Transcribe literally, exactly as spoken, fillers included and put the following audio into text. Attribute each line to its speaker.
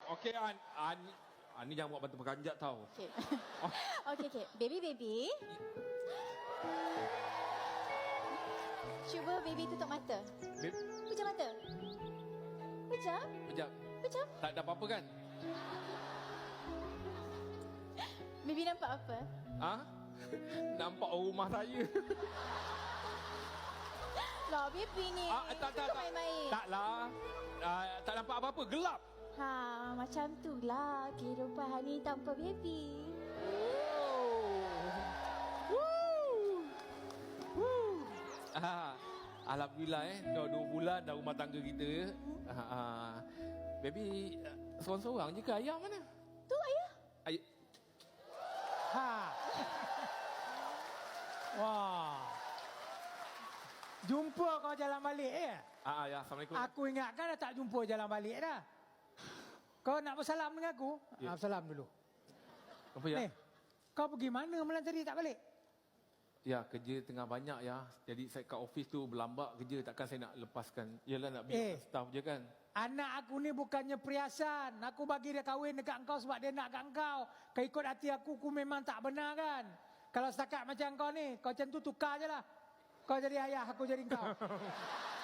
Speaker 1: Okey, An. An. An ni jangan buat batu berkanjat tau.
Speaker 2: Okey.
Speaker 1: Oh.
Speaker 2: Okey, okey. Baby, baby. Cuba baby tutup mata.
Speaker 1: Beb,
Speaker 2: Pejam mata. Pejam?
Speaker 1: sekejap.
Speaker 2: Pejam?
Speaker 1: Tak ada apa-apa kan?
Speaker 2: Baby nampak apa?
Speaker 1: Ha? Nampak orang rumah saya.
Speaker 2: Lah, baby ni.
Speaker 1: Ah, tak, tak,
Speaker 2: Suka
Speaker 1: tak.
Speaker 2: main-main.
Speaker 1: Taklah. Ah, tak nampak apa-apa. Gelap.
Speaker 2: Ha, macam tu lah kehidupan ni tanpa baby.
Speaker 1: Ah, Alhamdulillah eh. Dah dua bulan dah rumah tangga kita. Ah, ah. Baby, ah, seorang-seorang je ke? Ayah mana?
Speaker 2: Tu ayah.
Speaker 1: Ayah.
Speaker 3: Ha. Wah. Jumpa kau jalan balik eh?
Speaker 1: Ah, ayah. Assalamualaikum.
Speaker 3: Aku ingatkan dah tak jumpa jalan balik dah. Kau nak bersalam dengan aku?
Speaker 1: Ya.
Speaker 3: Ya. Salam dulu.
Speaker 1: Apa ya?
Speaker 3: Ni, kau pergi mana malam tadi tak balik?
Speaker 1: Ya, kerja tengah banyak ya. Jadi saya kat office tu berlambak kerja. Takkan saya nak lepaskan. Yalah nak biar
Speaker 3: Eh.
Speaker 1: staff je kan.
Speaker 3: Anak aku ni bukannya periasan. Aku bagi dia kahwin dekat engkau sebab dia nak kat engkau. Kau ikut hati aku, aku memang tak benar kan? Kalau setakat macam kau ni, kau macam tu tukar je lah. Kau jadi ayah, aku jadi engkau.